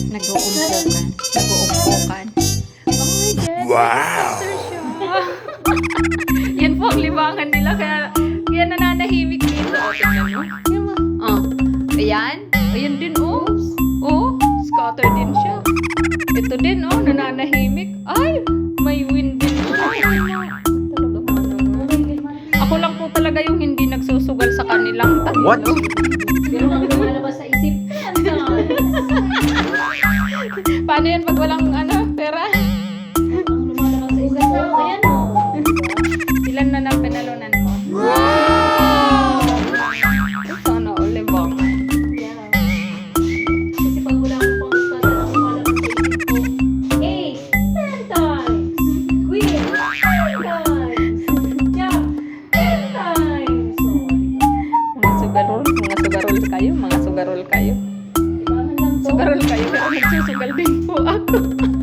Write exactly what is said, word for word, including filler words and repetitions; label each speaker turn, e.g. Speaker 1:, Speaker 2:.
Speaker 1: Nag-uumpukan. Nag-uumpukan. Oh my God.
Speaker 2: Wow!
Speaker 1: Sir siya. Yan po ang libangan nila. Kaya, kaya nananahimik dito. O, tingnan mo. Oh. Ayan. Ayan din, oh. Oh, scatter din siya. Ito din, oh. Nananahimik. Ay, may wind din siya. Talaga mo naman. Ako lang po talaga yung hindi nagsusugal sa kanilang tanilo.
Speaker 2: What?
Speaker 3: Pero ang lumalabas sa isip,
Speaker 1: Paano yan pag walang ano, pera?
Speaker 3: ang lumalabas sa isip ko, ayan o.
Speaker 1: Ilan na na pinalunan mo? Wow! Sana ulit bang?
Speaker 3: Yeah. Kasi pag wala akong pangkata, ang lumalabas sa isip ko, eight, ten times. Queen, ten times. Jack, ten times.
Speaker 1: Mga sugarol, mga sugarol kayo, mga sugarol kayo.
Speaker 3: Ibangan lang to.
Speaker 1: Sugarol kayo, pero nagsusugal din po ako.